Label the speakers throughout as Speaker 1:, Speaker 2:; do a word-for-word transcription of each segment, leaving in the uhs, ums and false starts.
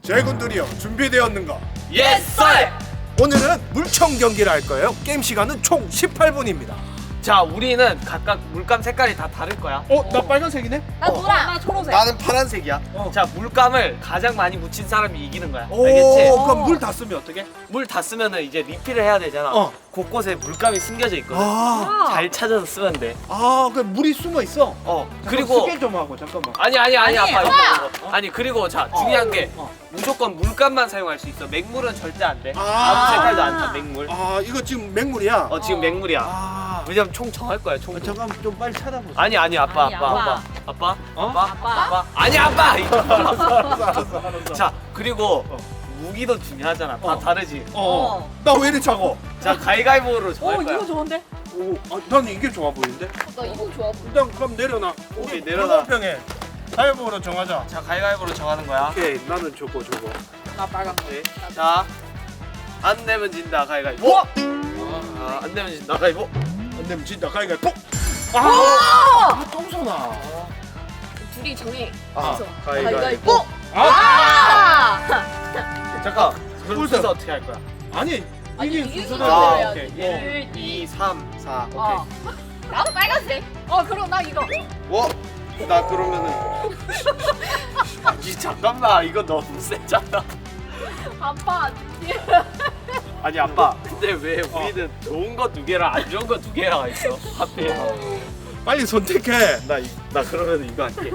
Speaker 1: 제군들이여 준비되었는가?
Speaker 2: 예스 썰!
Speaker 1: 오늘은 물총 경기를 할 거예요. 게임 시간은 총 십팔 분입니다.
Speaker 2: 자, 우리는 각각 물감 색깔이 다 다를 거야.
Speaker 1: 어? 나 빨간색이네?
Speaker 3: 나 노랑. 나 초록색.
Speaker 2: 나는 파란색이야.
Speaker 1: 어.
Speaker 2: 자, 물감을 가장 많이 묻힌 사람이 이기는 거야.
Speaker 1: 오,
Speaker 2: 알겠지?
Speaker 1: 그럼 물 다 쓰면 어떻게?
Speaker 2: 물 다 쓰면은 이제 리필을 해야 되잖아.
Speaker 1: 어.
Speaker 2: 곳곳에 물감이 숨겨져 있거든.
Speaker 1: 아,
Speaker 2: 잘 찾아서 쓰면 돼.
Speaker 1: 아, 그 물이 숨어 있어.
Speaker 2: 어.
Speaker 1: 그리고
Speaker 2: 그리고
Speaker 1: 스캔 좀 하고 잠깐만.
Speaker 2: 아니 아니 아니
Speaker 3: 아니,
Speaker 2: 아빠
Speaker 3: 아빠!
Speaker 2: 이거 이거. 아니 그리고 자 중요한 게
Speaker 1: 어.
Speaker 2: 무조건 물감만 사용할 수 있어. 맹물은 절대 안 돼.
Speaker 1: 아.
Speaker 2: 아무 색깔도 안 타. 맹물.
Speaker 1: 아, 이거 지금 맹물이야.
Speaker 2: 어 지금 맹물이야.
Speaker 1: 아,
Speaker 2: 왜냐면 총 정할 거야. 총.
Speaker 1: 아, 잠깐만 좀 빨리 찾아보자.
Speaker 2: 아니 아니 아빠
Speaker 3: 아니,
Speaker 2: 아빠
Speaker 3: 아빠.
Speaker 2: 아빠 아빠
Speaker 1: 어?
Speaker 2: 아빠
Speaker 3: 아빠.
Speaker 2: 아빠 아니 아빠.
Speaker 1: 알았어, 알았어, 알았어, 알았어.
Speaker 2: 자 그리고
Speaker 1: 어.
Speaker 2: 무기도 중요하잖아. 다
Speaker 1: 어.
Speaker 2: 다르지.
Speaker 1: 어, 나 왜 이리 작어?
Speaker 2: 자 가위가위보로
Speaker 3: 오
Speaker 2: 정할 거야.
Speaker 3: 이거 좋은데?
Speaker 1: 오, 아, 난 이게 좋아 보이는데?
Speaker 3: 나 이거 좋아.
Speaker 1: 일단 그럼 내려놔.
Speaker 2: 오케이, 내려놔.
Speaker 1: 병에 가위바위보로 정하자.
Speaker 2: 자 가위가위보로 정하는 거야.
Speaker 1: 오케이, 나는 저거 저거.
Speaker 3: 나 빨간색.
Speaker 2: 네. 자, 안 내면 진다 가위가위보. 아, 안 내면 진다 가위보.
Speaker 1: 안 되면 진짜 가위바위보.
Speaker 3: 오!
Speaker 1: 아, 똥손아.
Speaker 3: 둘이 정해.
Speaker 1: 아,
Speaker 3: 그래서
Speaker 1: 가위바위보.
Speaker 3: 가위바위보.
Speaker 1: 아,
Speaker 3: 아!
Speaker 2: 잠깐. 그럼
Speaker 1: 꿀잼.
Speaker 2: 순서 어떻게 할 거야?
Speaker 1: 아니,
Speaker 3: 아니,
Speaker 1: 이게
Speaker 3: 이긴
Speaker 1: 순서대로.
Speaker 3: 순서대로
Speaker 2: 아,
Speaker 3: 해야지.
Speaker 2: 오케이.
Speaker 3: 일,
Speaker 2: 일, 이, 삼, 사.
Speaker 3: 어.
Speaker 2: 오케이.
Speaker 3: 나도 빨간색. 어, 그럼 나 이거.
Speaker 2: 뭐? 나 그러면은 아니 잠깐만 이거 너무 세잖아.
Speaker 3: 아빠.
Speaker 2: 아니 아빠 근데 왜 우리는 좋은 거 두 개랑 안 좋은 거 두 개랑 있어? 하필.
Speaker 1: 빨리 선택해.
Speaker 2: 나, 이- 나 그러면 이거 할게.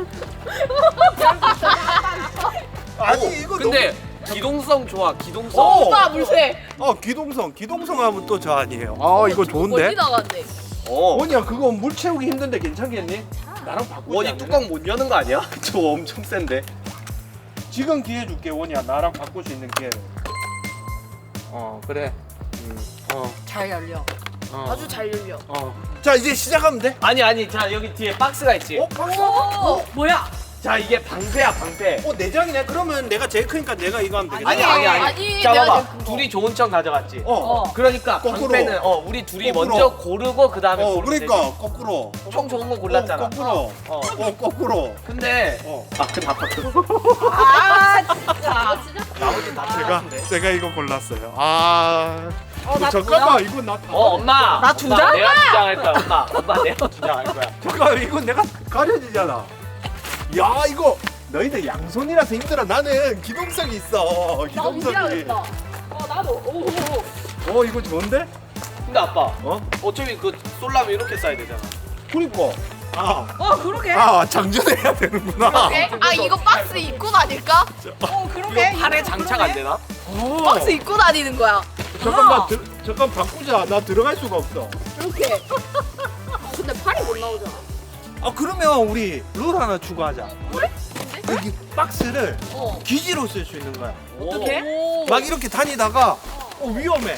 Speaker 1: 아니, 이거
Speaker 2: 근데 기동성 좋아 기동성.
Speaker 1: 오!
Speaker 3: 오빠 물색.
Speaker 1: 너무... 어, 기동성. 기동성 하면 또 저 아니에요. 아, 이거 좋은데?
Speaker 3: 어디 나간대?
Speaker 2: 어.
Speaker 1: 원이야, 그거 물 채우기 힘든데 괜찮겠니? 나랑 바꾸자.
Speaker 2: 원이 뚜껑 못 여는 거 아니야? 저 엄청 센데.
Speaker 1: 지금 기회 줄게, 원이야. 나랑 바꿀 수 있는 기회를. 어, 그래. 음, 어,
Speaker 3: 잘 열려.
Speaker 1: 어.
Speaker 3: 아주 잘 열려.
Speaker 1: 어. 자, 이제 시작하면 돼.
Speaker 2: 아니 아니 자 여기 뒤에 박스가 있지.
Speaker 1: 어, 박수.
Speaker 3: 오, 뭐야?
Speaker 2: 자 이게 방패야 방패.
Speaker 1: 어, 내장이네. 그러면 내가 제일 크니까 내가 이거 하면 되겠다.
Speaker 2: 아니 아니 아니.
Speaker 3: 아니,
Speaker 2: 자
Speaker 3: 내가
Speaker 2: 봐봐.
Speaker 3: 지금 그거.
Speaker 2: 둘이 좋은 척 가져갔지.
Speaker 1: 어.
Speaker 3: 어.
Speaker 2: 그러니까
Speaker 1: 거꾸로.
Speaker 2: 방패는 어 우리 둘이
Speaker 1: 거꾸로.
Speaker 2: 먼저 고르고 그 다음에
Speaker 1: 어,
Speaker 2: 고르면
Speaker 1: 그러니까
Speaker 2: 되지.
Speaker 1: 거꾸로.
Speaker 2: 총 좋은 거 골랐잖아.
Speaker 1: 어, 거꾸로.
Speaker 2: 어.
Speaker 1: 어, 거꾸로.
Speaker 2: 근데
Speaker 1: 어.
Speaker 2: 아 근데 아빠 그거
Speaker 3: 아, 진짜. 진짜.
Speaker 2: 나머지 다
Speaker 1: 제가
Speaker 2: 틀렸는데.
Speaker 1: 제가 이거 골랐어요. 아.
Speaker 3: 어, 나
Speaker 1: 잠깐만, 이거 나. 다-
Speaker 2: 어 엄마.
Speaker 3: 나두
Speaker 2: 엄마,
Speaker 3: 장?
Speaker 2: 내가 두 장 할 거야 엄마. 엄마 내가 두 장 할 거야.
Speaker 1: 잠깐, 이거 내가 가려지잖아. 야, 이거 너희들 양손이라서 힘들어. 나는 기동성이 있어.
Speaker 3: 나
Speaker 1: 기동성이.
Speaker 3: 움직여야겠다. 어, 나도. 오, 오, 오.
Speaker 1: 어, 이거 좋은데?
Speaker 2: 근데 아빠
Speaker 1: 어?
Speaker 2: 어차피 그 쏠라면 이렇게 쏴야 되잖아.
Speaker 1: 그니까. 아,
Speaker 3: 어, 그러게.
Speaker 1: 아, 장전해야 되는구나.
Speaker 3: 그러게. 아, 이거 박스 입고 다닐까? 어, 그러게.
Speaker 2: 이거 팔에 장착 안 되나?
Speaker 1: 어.
Speaker 3: 박스 입고 다니는 거야.
Speaker 1: 잠깐만,
Speaker 3: 아.
Speaker 1: 들, 잠깐 바꾸자. 나 들어갈 수가 없어.
Speaker 3: 이렇게. 아, 근데 팔이 못 나오잖아.
Speaker 1: 아, 그러면 우리 룰 하나 추가하자.
Speaker 3: 그래?
Speaker 1: 여기 박스를
Speaker 3: 어.
Speaker 1: 기지로 쓸 수 있는 거야.
Speaker 3: 어떻게?
Speaker 1: 막 이렇게 다니다가 어, 위험해.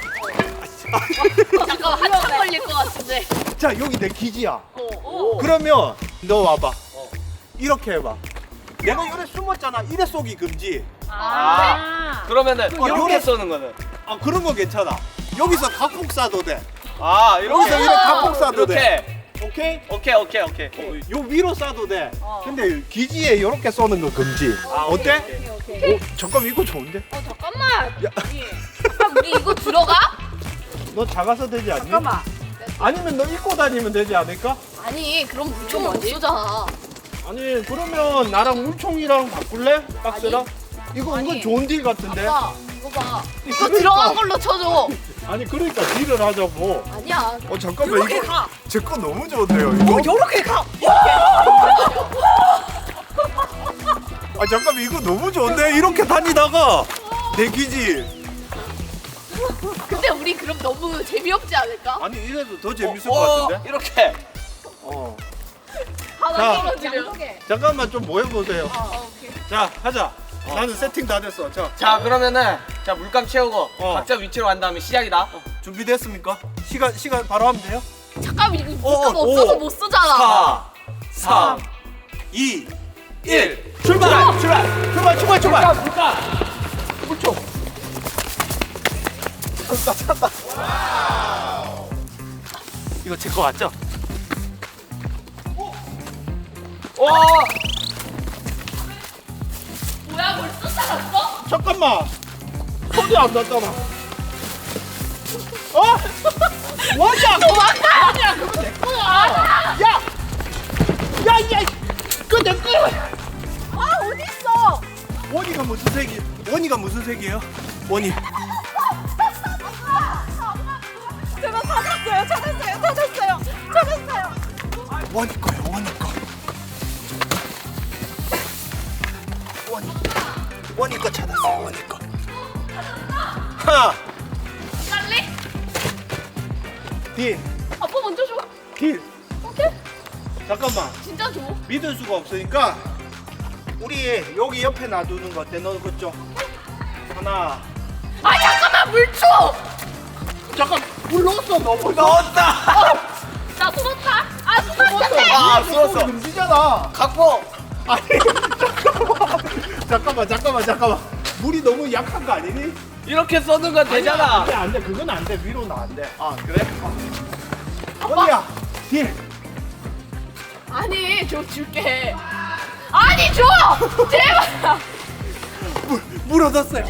Speaker 3: 잠깐 한참 걸릴 것 같은데.
Speaker 1: 자, 여기 내 기지야.
Speaker 3: 어, 어.
Speaker 1: 그러면 너 와봐.
Speaker 2: 어.
Speaker 1: 이렇게 해봐. 내가 이래 숨었잖아. 이래 쏘기 금지.
Speaker 3: 아.
Speaker 2: 그러면은
Speaker 1: 어,
Speaker 2: 이렇게
Speaker 1: 요래-
Speaker 2: 쏘는 거는
Speaker 1: 아, 그런 거 괜찮아. 여기서 각폭 쏴도 돼.
Speaker 2: 아
Speaker 1: 여기서
Speaker 2: 이렇게
Speaker 1: 이래 각폭 쏴도 돼.
Speaker 2: 이렇게
Speaker 1: 오케이?
Speaker 2: 오케이 오케이 오케이.
Speaker 1: 어, 요 위로 쏴도 돼.
Speaker 3: 어.
Speaker 1: 근데 기지에 이렇게 쏘는 거 금지.
Speaker 2: 아,
Speaker 1: 어때?
Speaker 2: 오케이,
Speaker 3: 오케이, 오케이.
Speaker 1: 어, 잠깐 이거 좋은데?
Speaker 3: 어, 잠깐만. 우리, 잠깐, 우리 이거 들어가?
Speaker 1: 너 작아서 되지 않니?
Speaker 3: 잠깐만.
Speaker 1: 아니면 너 입고 다니면 되지 않을까?
Speaker 3: 아니, 그럼 물총 못 쏘잖아.
Speaker 1: 아니, 그러면 나랑 물총이랑 바꿀래? 박스랑? 이거
Speaker 3: 아니.
Speaker 1: 이건 좋은 딜 같은데?
Speaker 3: 아빠, 이거 봐. 이거
Speaker 1: 그러니까.
Speaker 3: 들어간 걸로 쳐줘.
Speaker 1: 아니, 그러니까 딜을 하자고.
Speaker 3: 아니야.
Speaker 1: 어, 잠깐만,
Speaker 3: 이렇게
Speaker 1: 이거
Speaker 3: 가.
Speaker 1: 제 거 너무 좋은데요, 이거?
Speaker 3: 이렇게 가.
Speaker 1: 아, 잠깐만, 이거 너무 좋은데? 이렇게 다니다가 내 기지.
Speaker 3: 근데 우리 그럼 너무 재미없지 않을까?
Speaker 1: 아니, 이래도 더 재밌을
Speaker 2: 어,
Speaker 1: 것
Speaker 2: 어,
Speaker 1: 같은데?
Speaker 2: 이렇게.
Speaker 1: 어.
Speaker 3: 하나
Speaker 1: 자.
Speaker 3: 떨어지려.
Speaker 1: 잠깐만 좀 모여보세요.
Speaker 3: 어, 오케이.
Speaker 1: 자, 하자. 나는 세팅 다 됐어. 자,
Speaker 2: 자 그러면은 자 물감 채우고
Speaker 1: 어.
Speaker 2: 각자 위치로 간 다음에 시작이다.
Speaker 1: 준비됐습니까? 시간, 시간 바로 하면 돼요?
Speaker 3: 잠깐 이거
Speaker 1: 어,
Speaker 3: 물감 없어서
Speaker 1: 오.
Speaker 3: 못 쓰잖아.
Speaker 2: 사, 삼,
Speaker 1: 이,
Speaker 2: 일.
Speaker 1: 출발! 출발! 출발, 출발, 출발!
Speaker 2: 물감 물감.
Speaker 1: 물총. 찾다, 찾다.
Speaker 2: 이거 제 거 맞죠? 와.
Speaker 3: 뭐야 벌써 살았어?
Speaker 1: 잠깐만. 손이 안 났잖아. 어? 원이야.
Speaker 3: 도망가!
Speaker 1: 아니야, 그거 내 거야. 야, 야, 야, 그거 내 거야.
Speaker 3: 아 어딨어?
Speaker 1: 원이가 무슨 색이? 원이가 무슨 색이에요? 원이.
Speaker 3: 제가 찾았어요 찾았어요 찾았어요 찾았어요.
Speaker 1: 원이 거야, 원이 거. 원이, 원이 거 찾았어요, 원이 거. 하나,
Speaker 3: 빨리?
Speaker 1: 딜,
Speaker 3: 아빠 먼저 줘.
Speaker 1: 딜.
Speaker 3: 오케이?
Speaker 1: 잠깐만.
Speaker 3: 진짜 줘.
Speaker 1: 믿을 수가 없으니까 우리 여기 옆에 놔두는 거 어때? 너 그쪽. 하나.
Speaker 3: 아 잠깐만 물 줘.
Speaker 1: 잠깐, 물 넣었어, 너. 물 넣었다.
Speaker 3: 나 숨었다. 아 숨었는데.
Speaker 1: 아,
Speaker 2: 쏘았어.
Speaker 1: 금지잖아.
Speaker 2: 각보.
Speaker 1: 아니, 잠깐만, 잠깐만, 잠깐만, 잠깐만. 물이 너무 약한 거 아니니?
Speaker 2: 이렇게 써는 건 되잖아.
Speaker 1: 안돼, 안돼, 그건 안 돼. 위로는 안 돼.
Speaker 2: 아 그래?
Speaker 1: 원이야, 딜.
Speaker 3: 아니 줘 줄게. 아니 줘. 제발.
Speaker 1: 물, 물 얻었어요.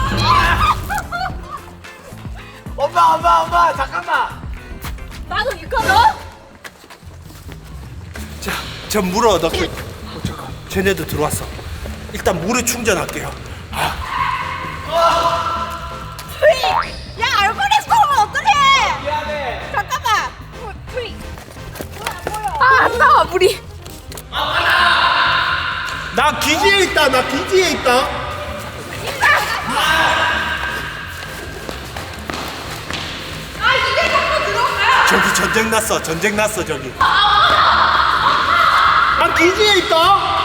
Speaker 2: 엄마 엄마 엄마 잠깐만.
Speaker 3: 나도 이거 넣어.
Speaker 1: 자, 전 물을 얻었고. 어, 잠깐, 쟤네도 들어왔어. 일단 물을 충전할게요.
Speaker 3: 야 얼굴에 쏘면 어떡해.
Speaker 2: 미안해.
Speaker 3: 잠깐만. 프리. 아안 나와 물이.
Speaker 1: 나 기지에 있다. 나 기지에 있다.
Speaker 3: 아 이제 자꾸 들어가.
Speaker 1: 저기 전쟁 났어. 전쟁 났어 저기. 나 기지에 있다.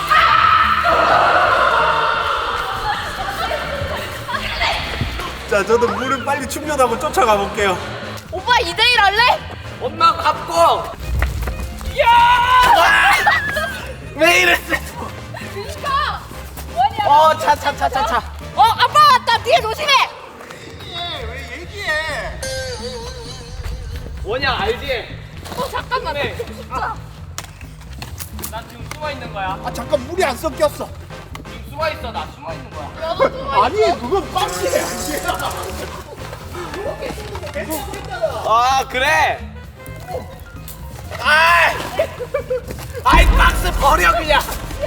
Speaker 1: 자, 저도 물을 빨리 충전하고 쫓아가 볼게요.
Speaker 3: 오빠 이 대 일 할래?
Speaker 2: 엄마 각보. 야! 왜 이랬어?
Speaker 3: 그니까. 원이야.
Speaker 2: 어, 차, 차, 차, 차, 차.
Speaker 3: 어 아빠 왔다. 뒤에 조심해.
Speaker 1: 왜 얘기해?
Speaker 2: 원양 알지?
Speaker 3: 어 잠깐만.
Speaker 2: 네.
Speaker 3: 진짜.
Speaker 2: 나 지금 숨어 있는 거야.
Speaker 1: 아, 잠깐, 물이 안 섞였어.
Speaker 2: 지금 숨어 있어. 나 숨어 있는 거야.
Speaker 3: 너도 누워.
Speaker 1: 아니, 그건 박스에 아니야.
Speaker 2: 아 그래? 아이, 아이 박스 버려 그냥.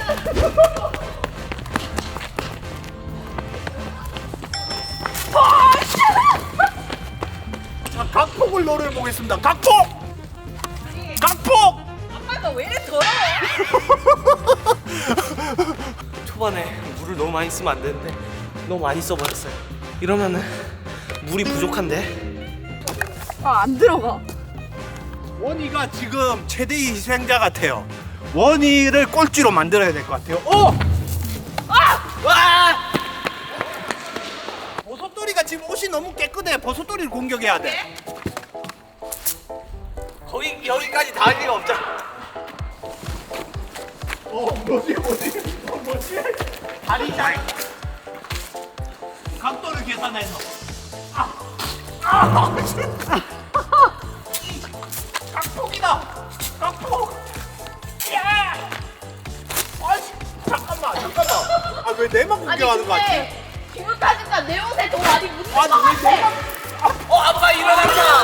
Speaker 1: 자, 각폭을 노려보겠습니다. 각폭! 각폭!
Speaker 3: 아빠가 왜 이래 더러워?
Speaker 2: 초반에 물을 너무 많이 쓰면 안 되는데 너무 많이 써버렸어요. 이러면은 물이 부족한데.
Speaker 3: 아 안 들어가.
Speaker 1: 원희가 지금 최대의 희생자 같아요. 원희를 꼴찌로 만들어야 될 것 같아요. 어!
Speaker 2: 와!
Speaker 1: 버섯돌이가 지금 옷이 너무 깨끗해. 버섯돌이를 공격해야 돼.
Speaker 2: 거기 여기까지 닿을 리가 없잖아.
Speaker 1: 어, 뭐지, 뭐지? 어, 뭐지? 다리 잘. 각도를 계산해서. 아! 아! 각폭이다! 각폭! 야! 아씨, 잠깐만, 잠깐만. 아, 왜 내만 공격하는 거 같지?
Speaker 3: 기분 탓인가 내 옷에 더 많이 묻는 것
Speaker 1: 아니, 왜
Speaker 3: 같아.
Speaker 1: 내만.
Speaker 2: 어 아빠 일어났다.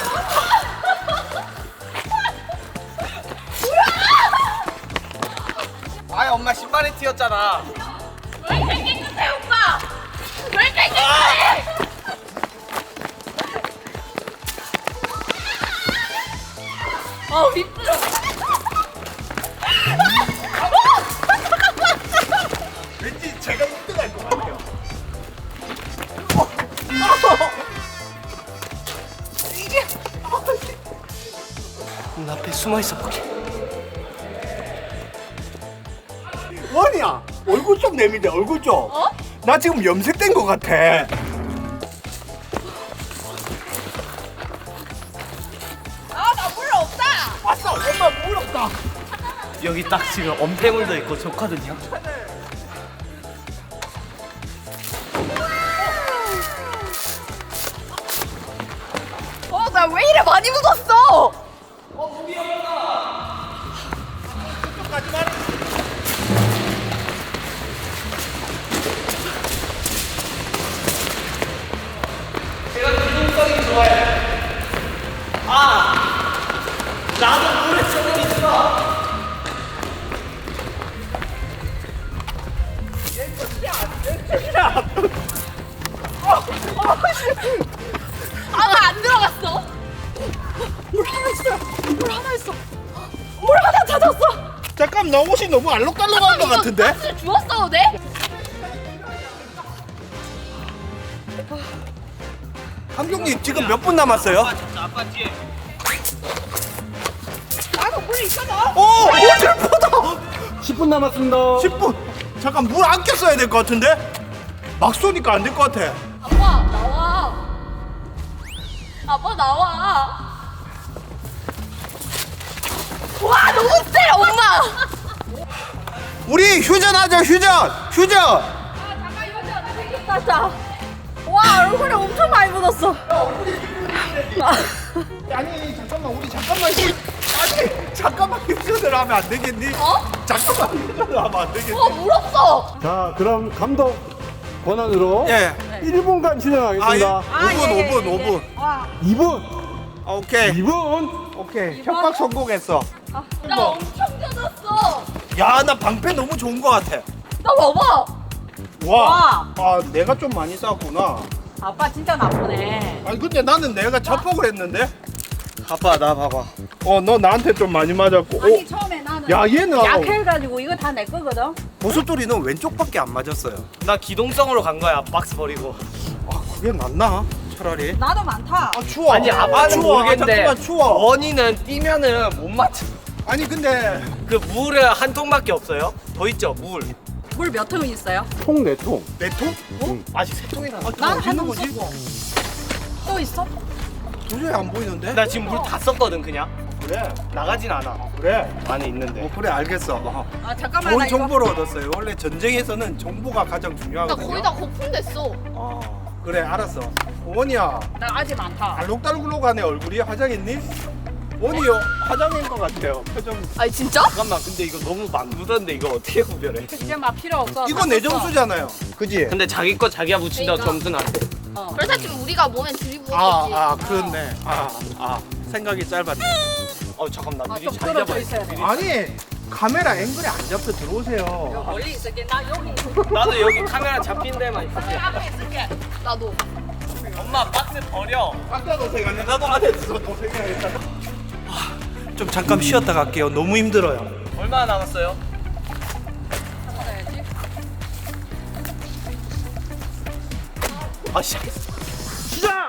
Speaker 2: 아이 엄마 신발에 튀었잖아.
Speaker 3: 왜 이렇게 깨끗해 오빠? 왜 이렇게 깨끗해? 어 힘들어.
Speaker 1: 왠지 제가 일 등 할 것 같아요.
Speaker 2: 문 앞에 숨어 있어 볼게.
Speaker 1: 원이야, 얼굴 좀 내밀자, 얼굴 좀.
Speaker 3: 어?
Speaker 1: 나 지금 염색된 것 같아.
Speaker 3: 아 나 물 없다.
Speaker 1: 왔어, 엄마 물 없다.
Speaker 2: 여기 딱 지금 엄폐물도 있고 좋거든요.
Speaker 3: 어 나 왜 이래 많이 묻었어?
Speaker 1: 가지 말아.
Speaker 3: 아나 안 들어갔어. 물 하나 있어. 물 하나 있어. 물 하나 찾았어.
Speaker 1: 잠깐 너 옷이 너무 알록달록한 것 같은데?
Speaker 3: 사실 주웠어도 돼?
Speaker 1: 함경님 지금 몇 분 남았어요?
Speaker 2: 아빠 뒤에.
Speaker 3: 나도 물 있잖아.
Speaker 1: 오! 오 대포다!
Speaker 4: 십 분 남았습니다.
Speaker 1: 십 분! 잠깐 물 아껴 써야 될 것 같은데? 막 쏘니까 안 될 것 같아.
Speaker 3: 아빠 나와. 아빠 나와. 와 너무 세 엄마.
Speaker 1: 우리 휴전하자 휴전! 휴전!
Speaker 3: 아 잠깐 이거 진짜 생겼다 진짜. 와 얼굴에 엄청 많이 묻었어.
Speaker 1: 아니 잠깐만 우리 잠깐만 휴... 아니 잠깐만 휴전을 하면 안 되겠니?
Speaker 3: 어?
Speaker 1: 잠깐만 휴전을 하면 안 되겠니?
Speaker 3: 어 물었어.
Speaker 4: 자, 그럼 감독 권한으로
Speaker 1: 예.
Speaker 4: 일 분간
Speaker 1: 아, 예.
Speaker 4: 진행하겠습니다.
Speaker 1: 오 분 오 분 오 분
Speaker 4: 이 분,
Speaker 1: 아, 오케이
Speaker 4: 이 분.
Speaker 1: 오케이 협박 성공했어.
Speaker 3: 나 엄청 젖었어.
Speaker 1: 야 나 방패 너무 좋은 것 같아.
Speaker 3: 나 봐봐.
Speaker 1: 와, 아 내가 좀 많이 쌌구나.
Speaker 5: 아빠 진짜 나쁘네.
Speaker 1: 아니 근데 나는 내가 자폭을 했는데. 아빠 나 봐봐. 어 너 나한테 좀 많이 맞았고.
Speaker 5: 아니
Speaker 1: 오,
Speaker 5: 처음에 나는
Speaker 1: 야 얘는
Speaker 5: 약해가지고 이거 다 내 거거든.
Speaker 1: 보석돌이는 왼쪽밖에 안 맞았어요.
Speaker 2: 나 기동성으로 간 거야. 박스 버리고.
Speaker 1: 아 그게 낫나? 차라리.
Speaker 5: 나도 많다.
Speaker 1: 아 추워.
Speaker 2: 아니
Speaker 1: 아,
Speaker 2: 아빠는
Speaker 1: 추워.
Speaker 2: 모르겠는데
Speaker 1: 아, 잠깐만 추워.
Speaker 2: 원이는 뛰면은 못 맞춰.
Speaker 1: 아니 근데
Speaker 2: 그 물은 한 통밖에 없어요. 더 있죠 물.
Speaker 5: 물 몇 통 있어요?
Speaker 4: 통 네 통.
Speaker 1: 내 통?
Speaker 2: 어? 아직 세 통이나.
Speaker 1: 아,
Speaker 5: 난
Speaker 1: 어디
Speaker 5: 한
Speaker 1: 있는
Speaker 5: 통
Speaker 1: 거지?
Speaker 5: 썼고. 또 있어?
Speaker 1: 도저히 안 보이는데?
Speaker 2: 나 지금 물 다 썼거든 그냥.
Speaker 1: 그래.
Speaker 2: 나가진 않아.
Speaker 1: 그래.
Speaker 2: 안에 있는데.
Speaker 1: 어 그래 알겠어. 어.
Speaker 5: 아 잠깐만
Speaker 1: 좋은
Speaker 5: 나 이거.
Speaker 1: 정보를 얻었어요. 원래 전쟁에서는 정보가 가장
Speaker 3: 나
Speaker 1: 중요하거든요.
Speaker 3: 거의 다 거품됐어.
Speaker 1: 아, 그래 알았어. 원이야
Speaker 5: 나 아직 많다.
Speaker 1: 알록달록하네 얼굴이. 화장했니? 원이요 화장인 것 같아요. 표정.
Speaker 3: 아니 진짜?
Speaker 2: 잠깐만 근데 이거 너무 막 묻었는데 이거 어떻게 구별해?
Speaker 5: 이제 막 필요 없어.
Speaker 1: 이거
Speaker 5: 다
Speaker 1: 내
Speaker 5: 썼어.
Speaker 1: 점수잖아요. 그지?
Speaker 2: 근데 자기 거 자기가 묻힌다고
Speaker 3: 그러니까.
Speaker 2: 점수는 안 돼.
Speaker 5: 어.
Speaker 3: 그래서 지금 우리가 몸에 들이부었지.
Speaker 1: 아, 아 그렇네. 아, 아 생각이 짧았네.
Speaker 2: 어 잠깐 나
Speaker 5: 아,
Speaker 2: 미리
Speaker 5: 좀
Speaker 2: 잘
Speaker 5: 떨어져
Speaker 2: 잡아.
Speaker 5: 있어야 돼.
Speaker 1: 아니 카메라 앵글이 안 잡혀 들어오세요.
Speaker 5: 멀리 있을게. 나 여기.
Speaker 2: 나도 여기 카메라 잡힌 데만 있을게.
Speaker 3: 앞에 있을게. 나도.
Speaker 2: 엄마 박스 버려.
Speaker 1: 아까 도색 아니야? 나도 안에 있어 도색해야겠다. 좀 잠깐 쉬었다 갈게요. 너무 힘들어요.
Speaker 2: 얼마나 남았어요?
Speaker 5: 찾아야지.
Speaker 2: 아 시작했어.
Speaker 1: 시작!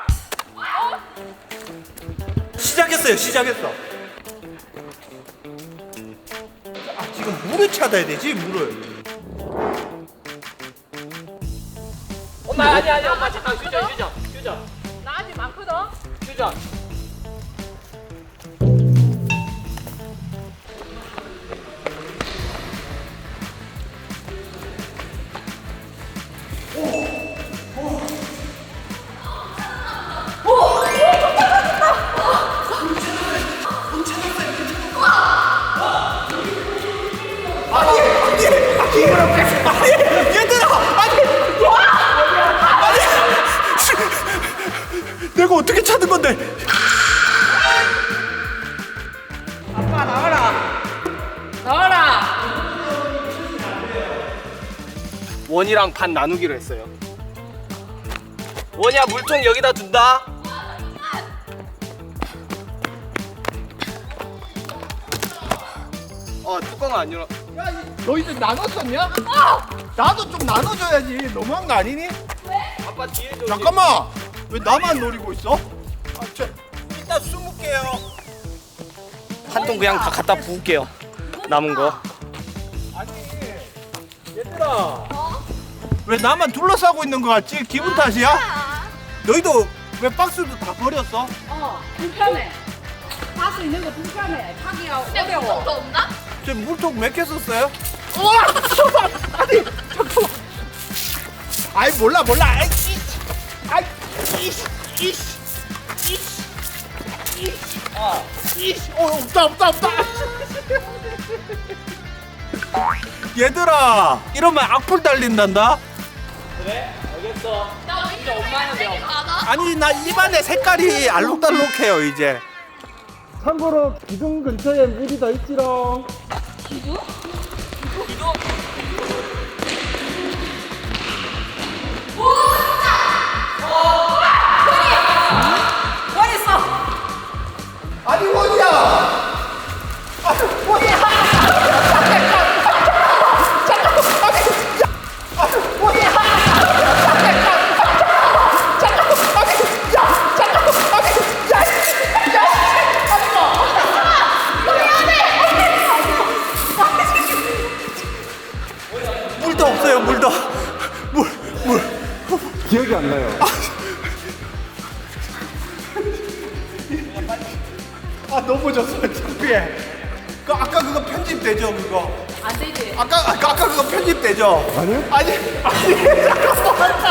Speaker 1: 시작했어요. 시작했어. 아 지금 물을 찾아야 되지 물을.
Speaker 2: 엄마 아니 아니 엄마 잠깐 휴전 휴전 휴전
Speaker 5: 나 아직 많거든.
Speaker 2: 휴전.
Speaker 1: 아니 얘들아 아니 아니 내가 어떻게 찾은 건데?
Speaker 5: 아빠 나와라. 나와라.
Speaker 2: 원이랑 반 나누기로 했어요. 원이야 물통 여기다 둔다. 어 뚜껑 안 열어.
Speaker 1: 너희들 나눴었냐?
Speaker 3: 어!
Speaker 1: 나도 좀 나눠줘야지. 너무한 거 아니니?
Speaker 2: 아빠 뒤에 좀.
Speaker 1: 잠깐만 왜 나만 노리고 있어? 아, 저, 이따 숨을게요.
Speaker 2: 한 통 그냥 다 갖다 부을게요. 남은 거.
Speaker 1: 아니 얘들아 왜 나만 둘러싸고 있는 거 같지? 기분 탓이야? 너희도 왜 박스도 다 버렸어?
Speaker 5: 어 불편해. 가수 있는 거 불편해. 타기가
Speaker 3: 근데
Speaker 5: 어려워.
Speaker 3: 물통도 없나?
Speaker 1: 저 물통 몇 개 썼어요? 우와! 아니 잠깐만 아이 몰라 몰라 아이 씨 아이 이씨 이씨 이씨 이씨
Speaker 2: 아
Speaker 1: 이씨 어 없다 없다 없다 얘들아 이러면 악플 달린단다.
Speaker 2: 그래? 알겠어.
Speaker 3: 나 왜 이렇게 빨간색이 많아?
Speaker 1: 아니 나 입안에 색깔이 알록달록해요 이제.
Speaker 4: 참고로 기둥 근처에 물이 더 있지롱.
Speaker 2: 기둥?
Speaker 4: 기억이 안 나요.
Speaker 1: 아 너무 좋았어 창피해. 그 아까 그거 편집되죠 그거?
Speaker 3: 안 되지.
Speaker 1: 아까 아까, 아까 그거 편집되죠?
Speaker 4: 아니요?
Speaker 1: 아니 아니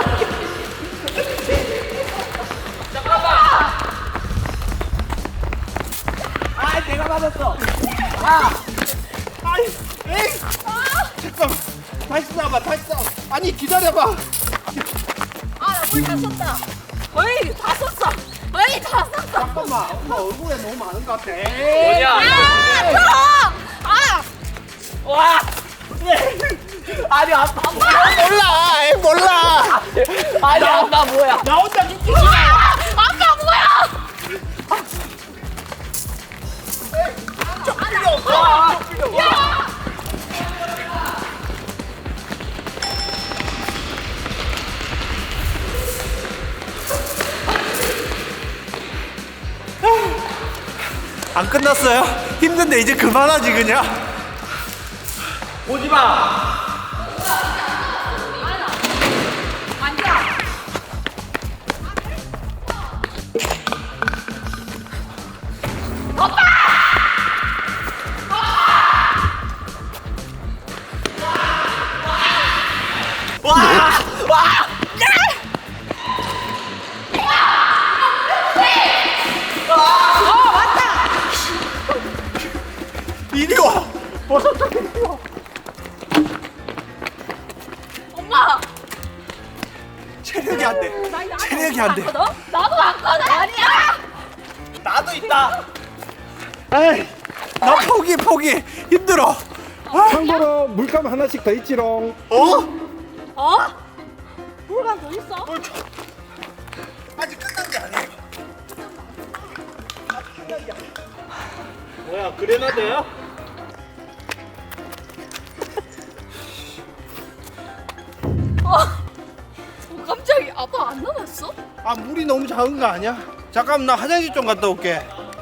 Speaker 1: 아 내가 맞았어. 아 아이 에이 잠깐 다시 쏴봐 다시 쏴. 아니 기다려봐.
Speaker 3: 아나물다 썼다. 거의 다 썼어. 거의 다 썼어.
Speaker 1: 잠깐만 엄마 얼굴에 너무 많은 것 같아.
Speaker 2: 뭐냐?
Speaker 3: 아 저. 아.
Speaker 2: 와! 아니 아빠
Speaker 1: 몰라 에이 몰라.
Speaker 2: 아니 아빠 뭐야?
Speaker 1: 나 혼자 죽지.
Speaker 3: 아 아빠 뭐야?
Speaker 1: 필요 없어. 필요 없어. 안 끝났어요? 힘든데 이제 그만하지 그냥.
Speaker 2: 오지 마.
Speaker 3: 앉아.
Speaker 1: 이리 와. 버섯장 이리 와.
Speaker 3: 엄마.
Speaker 1: 체력이 안 돼. 체력이 안 돼.
Speaker 3: 왔거든? 나도 왔거든. 아니야.
Speaker 2: 나도 있다.
Speaker 1: 에이, 나 포기 포기. 힘들어.
Speaker 4: 참고로 물감 하나씩 더 있지롱.
Speaker 1: 어?
Speaker 3: 어? 물건 더 있어?
Speaker 1: 아직 끝난 게 아니에요. 아직 끝난 게 아니에요. 뭐야 그레나드야?
Speaker 3: 어. 어 깜짝이 아빠 안 남았어?
Speaker 1: 아 물이 너무 작은 거 아니야? 잠깐 나 화장실 좀 갔다 올게.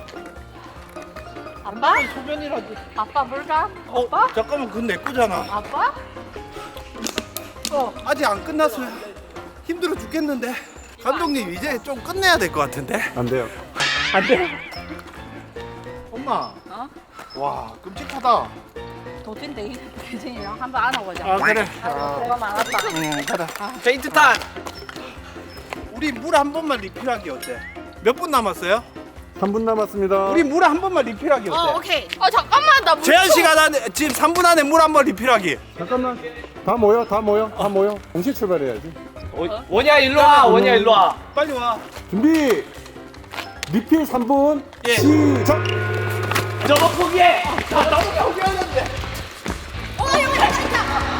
Speaker 3: 아빠?
Speaker 1: 소변이라도.
Speaker 3: 아빠 물건?
Speaker 1: 어 잠깐만 그건 내 거잖아.
Speaker 3: 아빠?
Speaker 1: 어 아직 안 끝났어요. 힘들어 죽겠는데. 감독님 이제 좀 끝내야 될 것 같은데.
Speaker 4: 안 돼요.
Speaker 1: 안 돼. 엄마.
Speaker 3: 어?
Speaker 1: 와 끔찍하다.
Speaker 3: 도찐데 대진이랑 한번 안아보자.
Speaker 1: 아 그래.
Speaker 3: 뭐가 많았다.
Speaker 1: 응 가자.
Speaker 2: 페인트 탄.
Speaker 1: 우리 물 한 번만 리필하기 어때? 몇 분 남았어요?
Speaker 4: 삼 분 남았습니다.
Speaker 1: 우리 물 한 번만 리필하기 어때?
Speaker 3: 어 오케이. 어 잠깐만 나 물.
Speaker 1: 제한 시간 안에 지금 삼 분 안에 물 한 번 리필하기.
Speaker 4: 잠깐만. 다 모여, 다 모여, 다 모여. 동시에 출발해야지.
Speaker 2: 어, 원이야 일로 와. 원이야 일로 와.
Speaker 1: 빨리 와.
Speaker 4: 준비. 리필 삼 분.
Speaker 1: 예.
Speaker 4: 시작.
Speaker 2: 저거 포기해.
Speaker 1: 아 너무 포기하는데.
Speaker 3: 어 여기다 진짜.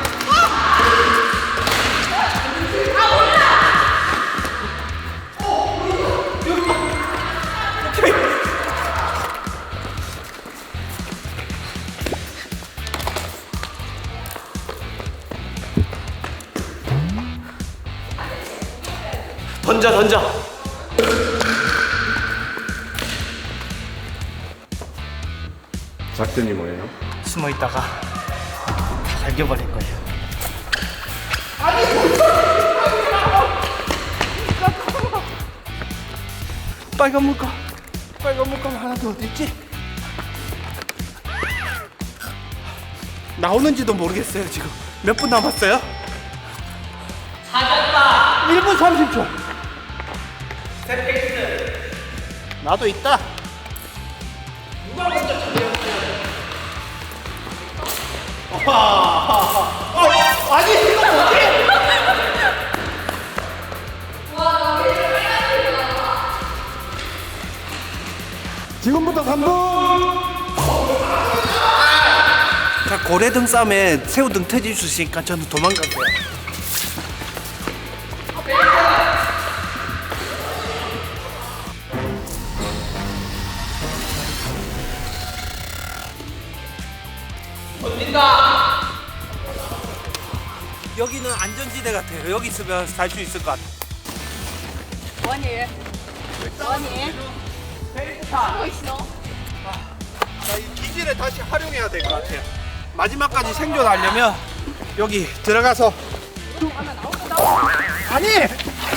Speaker 2: 던져 던져.
Speaker 4: 작전이 뭐예요?
Speaker 2: 숨어 있다가 발견버릴 거예요.
Speaker 1: 빨간 물감. 빨간 물감 하나 더 어디 있지? 나오는지도 모르겠어요 지금. 몇 분 남았어요?
Speaker 2: 찾았다.
Speaker 1: 일 분 삼십 초. 나도 있다.
Speaker 2: 누가 먼저 찾았어요?
Speaker 1: 어, 아니 이거 뭐지?
Speaker 4: 지금부터 삼 분.
Speaker 1: 자 고래등 쌈에 새우등 터질 수 있으니까 저는 도망갈게요.
Speaker 2: 던진다.
Speaker 1: 여기는 안전지대 같아요. 여기 있으면 살 수 있을 것 같아.
Speaker 3: 원이. 원이. 하고 있어.
Speaker 1: 자, 이 기지를 다시 활용해야 될 것 같아요. 마지막까지 생존하려면 여기 들어가서 아니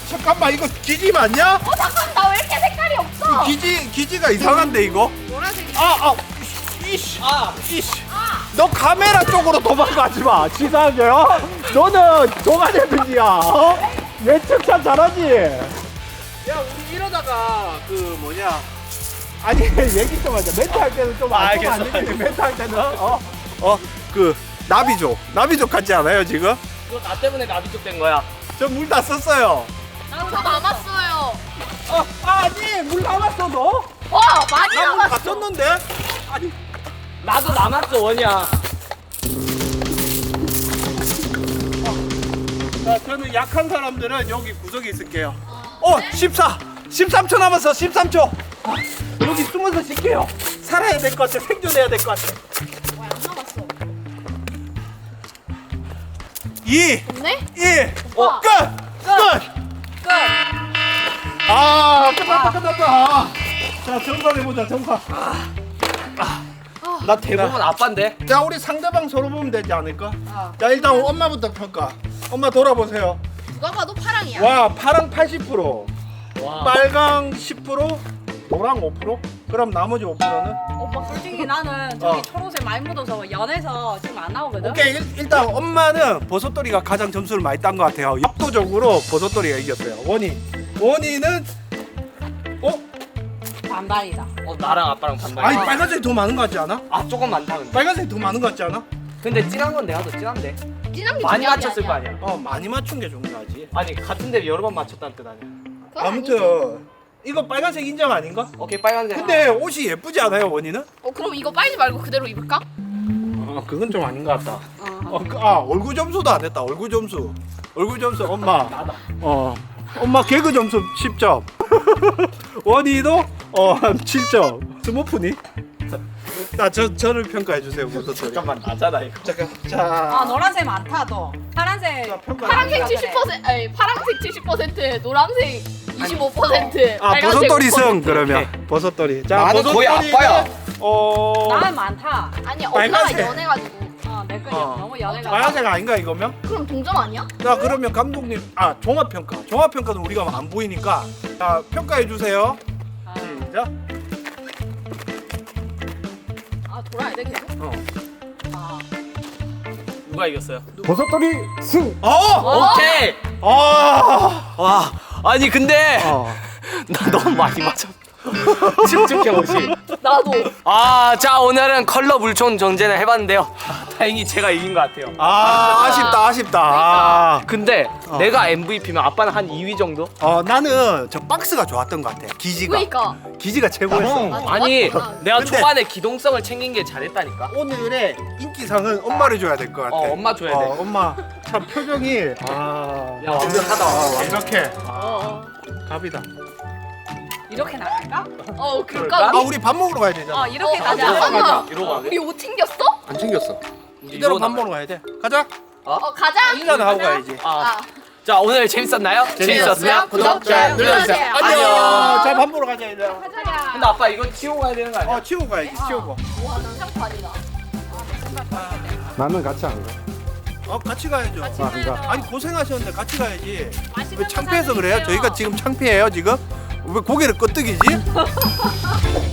Speaker 1: 잠깐만 이거 기지 맞냐?
Speaker 3: 어 잠깐 나 왜 이렇게 색깔이 없어?
Speaker 1: 기지 기지가 이상한데 이거?
Speaker 3: 노란색.
Speaker 1: 아, 아, 이씨, 아, 이씨. 너 카메라 쪽으로 도망가지 마. 치사하게요. 너는 동안의 야 어? 예측참 잘하지. 야, 우리 이러다가 그 뭐냐? 아니 얘기 좀 하자. 멘트 할 때는 좀 안
Speaker 2: 알겠어,
Speaker 1: 안 되겠네. 멘트 할 때는 어, 어, 그 나비족, 나비족 같지 않아요 지금?
Speaker 2: 이거 나 때문에 나비쪽 된 거야.
Speaker 1: 저 물 다 썼어요.
Speaker 3: 나도 남았어요.
Speaker 1: 어, 아니 물 남았어 너?
Speaker 3: 와 많이
Speaker 1: 나물 다
Speaker 3: 남았어.
Speaker 1: 썼는데? 아니.
Speaker 2: 나도 남았어 원이야.
Speaker 1: 자, 저는 약한 사람들은 여기 구석에 있을게요. 어, 십사, 십삼 초 남았어, 십삼 초. 여기 숨어서 쉴게요. 살아야 될 것 같아, 생존해야 될 것 같아.
Speaker 3: 안 남았어.
Speaker 1: 이,
Speaker 3: 없네?
Speaker 1: 일,
Speaker 3: 오빠.
Speaker 1: 끝! 끝!
Speaker 3: 끝.
Speaker 1: 아, 끝났다, 끝났다. 자, 정산해보자, 정산.
Speaker 2: 나 대부분 아빠인데.
Speaker 1: 자, 우리 상대방 서로 보면 되지 않을까? 자, 일단 엄마부터 평가. 엄마 돌아보세요.
Speaker 3: 누가 봐도 파랑이야.
Speaker 1: 와, 파랑 팔십 퍼센트,
Speaker 2: 와.
Speaker 1: 빨강 십 퍼센트, 노랑 오 퍼센트? 그럼 나머지 오 퍼센트는?
Speaker 5: 오빠 솔직히 나는 저기
Speaker 1: 어.
Speaker 5: 초록색 많이 묻어서 연해서 지금 안 나오거든.
Speaker 1: 오케이 일, 일단 엄마는 버섯돌이가 가장 점수를 많이 딴 것 같아요. 압도적으로 버섯돌이가 이겼어요. 원희 원희는 어?
Speaker 5: 반반이다.
Speaker 2: 어 나랑 아빠랑 반반.
Speaker 1: 아니 빨간색이 더 많은 것 같지 않아?
Speaker 2: 아 조금 많다 근데.
Speaker 1: 빨간색이 더 많은 것 같지 않아?
Speaker 2: 근데 진한 건 내가 더 진한데.
Speaker 3: 진한 게
Speaker 2: 많이
Speaker 3: 중요한 게
Speaker 2: 맞췄을 거
Speaker 3: 아니야.
Speaker 2: 아니야.
Speaker 1: 어 많이 맞춘 게 중요하지.
Speaker 2: 아니 같은 데 여러 번 맞췄다는 뜻 아니야.
Speaker 3: 그건 아니지.
Speaker 1: 아무튼 이거 빨간색 인정 아닌가?
Speaker 2: 오케이 빨간색.
Speaker 1: 근데 옷이 예쁘지 않아요 원희는?
Speaker 3: 어 그럼 이거 빨지 말고 그대로 입을까?
Speaker 1: 어 그건 좀 아닌 것 같다. 어, 그, 아 얼굴 점수도 안 됐다. 얼굴 점수. 얼굴 점수 엄마.
Speaker 2: 나다.
Speaker 1: 어 엄마 개그 점수 십 점. 원희도 어한 칠 점. 스머프니? 자, 저 저를 평가해 주세요. 버섯돌이.
Speaker 2: 잠깐만 나잖아 이거.
Speaker 1: 잠깐.
Speaker 5: 아
Speaker 1: 자.
Speaker 5: 노란색 많다 너. 파란색.
Speaker 1: 자, 평가.
Speaker 3: 파란색 칠십 퍼센트, 아니 파란색 칠십 퍼센트, 노란색 이십오 퍼센트.
Speaker 1: 아,
Speaker 3: 빨간색
Speaker 1: 버섯돌이
Speaker 3: 오
Speaker 1: 승
Speaker 3: 퍼센트.
Speaker 1: 그러면. 버섯돌이. 자,
Speaker 2: 나는 거의
Speaker 1: 버섯돌이는,
Speaker 2: 아빠야.
Speaker 1: 어.
Speaker 5: 나는 많다.
Speaker 3: 아니 엄마가
Speaker 1: 빨간색.
Speaker 3: 연해가지고.
Speaker 5: 어내 거
Speaker 1: 어.
Speaker 5: 너무 연해가.
Speaker 1: 빨간색 아닌가 이거면?
Speaker 3: 그럼 동점 아니야?
Speaker 1: 자, 그러면 감독님 아, 종합 평가. 종합 평가는 우리가 안 보이니까 자, 평가해 주세요.
Speaker 5: 아,
Speaker 1: 시작.
Speaker 3: 아 돌아야 돼 계속.
Speaker 1: 어.
Speaker 5: 아.
Speaker 2: 누가 이겼어요?
Speaker 4: 버섯돌이 승.
Speaker 1: 어!
Speaker 2: 오케이.
Speaker 1: 아!
Speaker 2: 와 아니 근데
Speaker 1: 어.
Speaker 2: 나 너무 많이 맞았. 집중해 옷이.
Speaker 3: 나도.
Speaker 2: 아자 오늘은 컬러 물총 전쟁을 해봤는데요. 다행히 제가 이긴 것 같아요.
Speaker 1: 아, 아쉽다. 아쉽다. 아.
Speaker 2: 근데
Speaker 1: 어.
Speaker 2: 내가 엠브이피면 아빠는 한 이 위 정도?
Speaker 1: 어, 나는 저 박스가 좋았던 것 같아. 기지가.
Speaker 3: 그러니까.
Speaker 1: 기지가 최고였어.
Speaker 3: 아,
Speaker 2: 아니
Speaker 3: 좋았구나.
Speaker 2: 내가
Speaker 1: 근데-
Speaker 2: 초반에 기동성을 챙긴 게 잘했다니까.
Speaker 1: 오늘의 인기상은 엄마를 줘야 될 것 같아.
Speaker 2: 어, 엄마 줘야 돼.
Speaker 1: 어, 엄마 참 표정이 아,
Speaker 2: 야 완벽하다.
Speaker 1: 아, 완벽해.
Speaker 3: 어.
Speaker 1: 갑이다.
Speaker 5: 이렇게 나갈까?
Speaker 3: 어
Speaker 2: 그럴까?
Speaker 3: 그럴까?
Speaker 1: 아, 우리 밥 먹으러 가야 되잖아.
Speaker 5: 어 이렇게
Speaker 3: 어,
Speaker 5: 가자.
Speaker 3: 아, 잠깐만.
Speaker 2: 이러고 가게?
Speaker 3: 우리 옷 챙겼어?
Speaker 1: 안 챙겼어.
Speaker 2: 우리
Speaker 1: 이대로
Speaker 2: 이러고
Speaker 1: 밥
Speaker 2: 나가요.
Speaker 1: 먹으러 가야 돼. 가자.
Speaker 3: 어 가자.
Speaker 1: 인사는 하고 가야지.
Speaker 2: 아,
Speaker 3: 아.
Speaker 2: 자 오늘 재밌었나요? 재밌었으면 구독, 좋아요 눌러주세요.
Speaker 1: 안녕. 자, 밥 먹으러 가자, 이제.
Speaker 3: 가자.
Speaker 2: 근데 아빠 이거 치우고 가야 되는 거 아니야?
Speaker 1: 어, 치우고 가야지. 치우고.
Speaker 3: 와 난장판이다.
Speaker 4: 나는 같이 안 가.
Speaker 1: 어, 같이 가야죠.
Speaker 4: 아, 안 가.
Speaker 1: 아니, 고생하셨는데 같이 가야지.
Speaker 5: 맛있는
Speaker 1: 왜
Speaker 5: 거
Speaker 1: 창피해서
Speaker 5: 사드릴게요.
Speaker 1: 그래요? 저희가 지금 창피해요, 지금? 왜 고개를 끄덕이지?